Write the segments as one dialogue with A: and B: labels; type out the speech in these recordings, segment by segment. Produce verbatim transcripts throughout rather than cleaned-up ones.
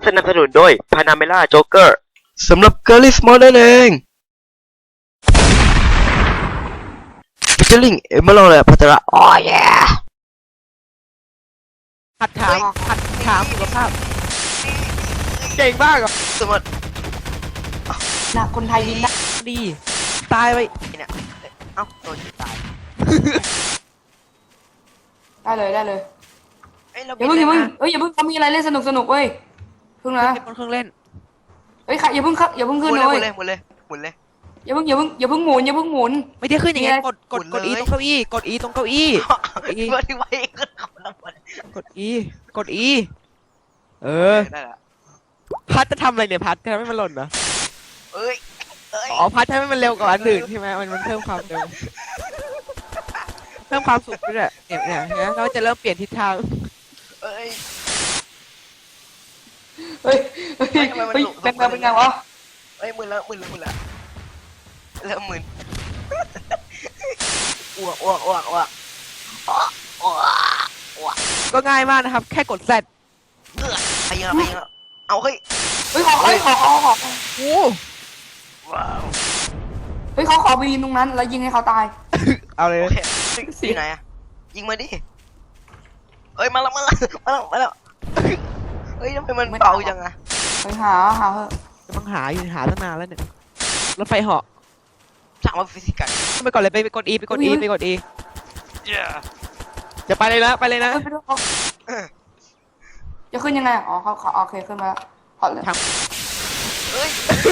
A: สนับสนุนโดย Panamera Joker สำหรับ Girly Small นั่นเอง featuring เอมเมอรัลและพัทระโอ้ย
B: หัดถามหัดถามสุขภาพเก่งมากอ่ะ
A: สมมติ
C: นะคนไทยวินได้
B: ดีตายไป
A: เนี่ยเอ้าโดนตาย
C: ได้เลยได้เลย
A: เอ้ยเรา
C: อย่าเพิ่งอย่าเพิ่งเอ้ยอย่าเพิ่งเขามีอะไรเล่นสนุกสนุกเว้ยเพิ่งนะ
B: เครื่องเล่น
C: เฮ้ยค่ะอย่าเพิ่งครับอย่าเพิ่งขึ้นเลย
A: หมุนเลยหมุนเลยหมุนเลย
C: อย่าเพิ่งอย่าเพิ่งอย่าเพิ่งหมุนอย่าเพิ่งหมุน
B: ไม่ได้ขึ้นอย่างเงี้ยกดกดกดอีตรงเก้าอี้กดอีตรงเก้าอี้
A: อีเพื่อที่ไว้ขึ้นเขาแล้วหมด
B: กดอีกดอีเออพัดจะทำอะไรเนี่ยพัดจะทำให้มันหล่นนะ
A: เอ้ย
B: อ๋อพัดทำให้มันเร็วกว่าอันอื่นใช่ไหมมันมันเพิ่มความเร็วเพิ่มความสุขด้วยเนี่ยเนี่ยเนี่ยเราจะเริ่มเปลี่ยนทิศทาง
A: เอ้ย
C: เฮ้ยเฮ้ยเฮ้ยเป็นไงเป็นไงวะ
A: เฮ้ยมึนแล้วมึนแล้วมึนแล้วเริ่มมึนอ้วกอ้วกอ้วกอ้วกอ้วกอ้วก
B: ก็ง่ายมากนะครับแค่กดแซด
A: เออไปเยอะไปเยอะเอาเฮ้ย
C: เฮ้ยขอเฮ้ยขอขอขอ
B: โอ้
A: ว้าว
C: เฮ้ยเขาขอไปยิงตรงนั้นแล้วยิงให้เขาตาย
B: เอาเลย
A: สีไหนอะยิงมาดิเอ้ยมาแล้วมาแล้วมาแล้วมาแล้วเฮ้ยทำไมมันเบาจังอะ
C: ไปหาหาเถอะ
B: ต้องหาอยู่หาตั้งนานแล้วเนี่ยรถไฟเหาะ
A: สั่งมาฟิสิกส์
B: ไปก่อนเลยไปไปกดอีไปกดอีไปกดอีจะไปเลยนะไปเลยนะ
C: จะขึ้นยังไงอ๋อเขาเขาโอเคขึ้นมาแล้วขอเลย
A: เฮ้ย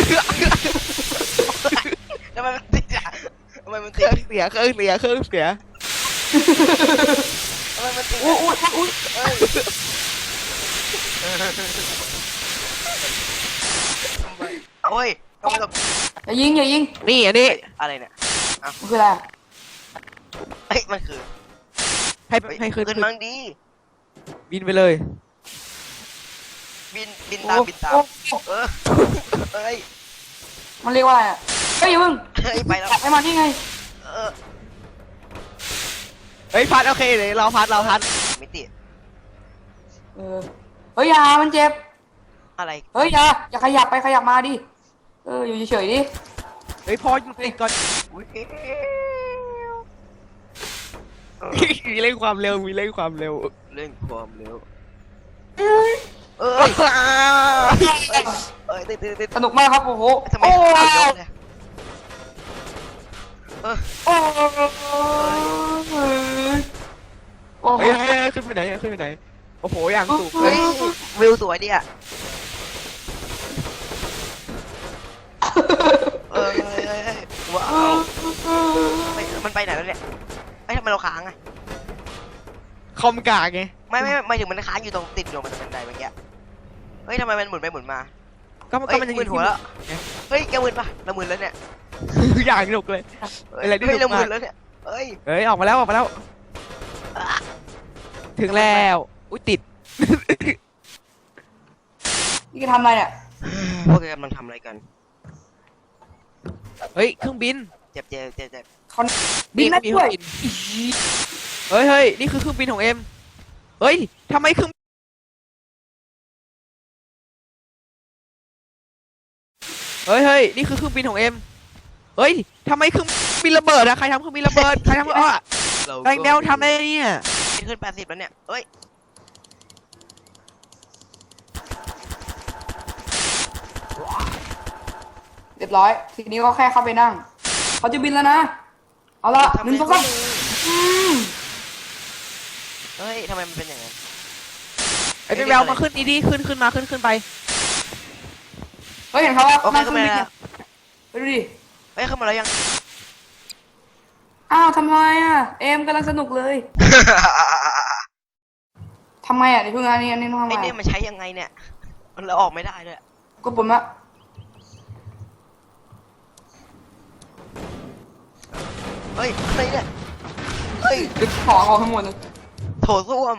A: ทำไมมันติดอะทำไมมันติด
B: เสียเครื่องเสียเครื่องเสีย
A: ทำไมมันติด
C: อุ้ยอุ้ยอุ้ย
A: เฮ้ยโอ้ย
C: อย่ายิงอย่ายิง
B: นี่อันนี้
A: อะไรเนี่ย
C: มันคืออะไร
A: เฮ้ยมันคือ
B: ให้ให้ขึ้น
A: ขึ้นมั้งดี
B: บินไปเลย
A: บินบินตามบินตามเออเฮ้ย
C: มันเรียกว่าอะไรอ่ะเฮ้ยอย่าเพิ่ง
A: เฮ้ยไปแล้ว
C: ไอ้มาที่ไง
A: เออ
B: เฮ้ยพัดโอเคเลยเราพัดเราพัด
A: ไม่ติด
C: เออเฮ้ยอย่ามันเจ็บ
A: อะไร
C: เฮ้ยอย่าอย่าขยับไปขยับมาดิเอออยู่เฉยๆดิ
B: เฮ้ยพอหยุดติดก่อนมีเร่งความเร็วมีเร่งความเร็ว
A: เร่งความเร็ว
C: เอ้ย
A: เอ้ยติดติดติด
C: สนุกมากครับโอ้โห
A: ทำไมเอายกเลยเออ
C: โอ้โอ้
B: เฮ้ยขึ้นไปไหนขึ้นไปไหนโอ้โหอย่างสูง
A: เฮ้ยวิวสวยดิอ่ะเออว้าวมันไปไหนแล้วเนี่ยไอ้ทำไมเราค้างอะ
B: คอมกากไง
A: ไม่ไม่ไม่ถึงมันค้างอยู่ตรงติดอยู่มันเป็นไงเมื่อกี้เฮ้ยทำไมมันหมุนไปหมุนมา
B: ก็มันก็มันยัง
A: มึนหัวแล้วเฮ้ยแกมึนปะเรามึนแล้วเนี่ย
B: อย่างหนุกเลย
A: อะไรที่เรามึนแล้วเนี่ยเฮ้ย
B: เฮ้ยออกมาแล้วออกมาแล้วถึงแล้วอุ้ยติด
C: นี่จะทำอะไรเนี่ย
A: พวกแกกำลังทำอะไรกัน
B: เฮ้ยเครื่องบิน
A: เจ็บเจ็บเจ็บเจ็บ
C: เขาบินได้ด้วย
B: เฮ้ยเฮ้ยนี่คือเครื่องบินของเอ็มเฮ้ยทำไมเครื่องเฮ้ยเฮ้ยนี่คือเครื่องบินของเอ็มเฮ้ยทำไมเครื่องบินระเบิดอะใครทำเครื่องบินระเบิดใครทำอ่ะแรงเดวทำได้เนี่ย
A: ขึ้นแปดสิบแล้วเนี่ยเฮ้ย
C: เรียบร้อยทีนี้ก็แค่เข้าไปนั่งเขาจะบินแล้วนะเอาละหนึ่งสองสาม
A: เฮ้ยทำไมมันเป็นอย่างนั้น
B: ไอ้แววมาขึ้นดีดีขึ้นขึ้นมาขึ้นขึ้นไป
C: เฮ้ยเห็นเขาว่านั่งเครื่องบินเนี่ยไปดูดิ
A: เฮ้ยเข้ามาแล้วยัง
C: อ้าวทำไมอ่ะเอ็มกำลังสนุกเลยทำไมอ่ะเดี๋ยวเพิ่งอันนี้อันนี้ต้องทำไม
A: ไอ้เนี่ยมันใช้ยังไงเนี่ยมันเราออกไม่ได้ด้วย
C: กดปุ่มละ
A: เฮ้ยอะไรเนี่ยเฮ้ย
C: ดึงของออกทั้งหมดเลย
A: โถส้วม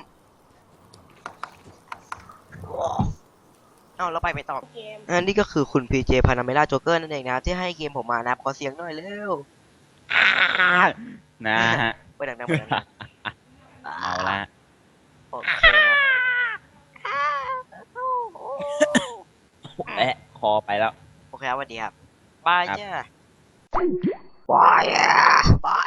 A: เอาเราไปไปต่ออันนี้ก็คือคุณ พี เจ Panamera Joker นั่นเองนะที่ให้เกมผมมานะขอเสียงหน่อยเร็ว
D: นะฮะ
A: ไปดังๆไปดังๆ
D: เอาละ
A: โอเค
D: อไปแล้ว
A: โอเคครับสวัสดีครับบายจ้าบายอ่ะบาย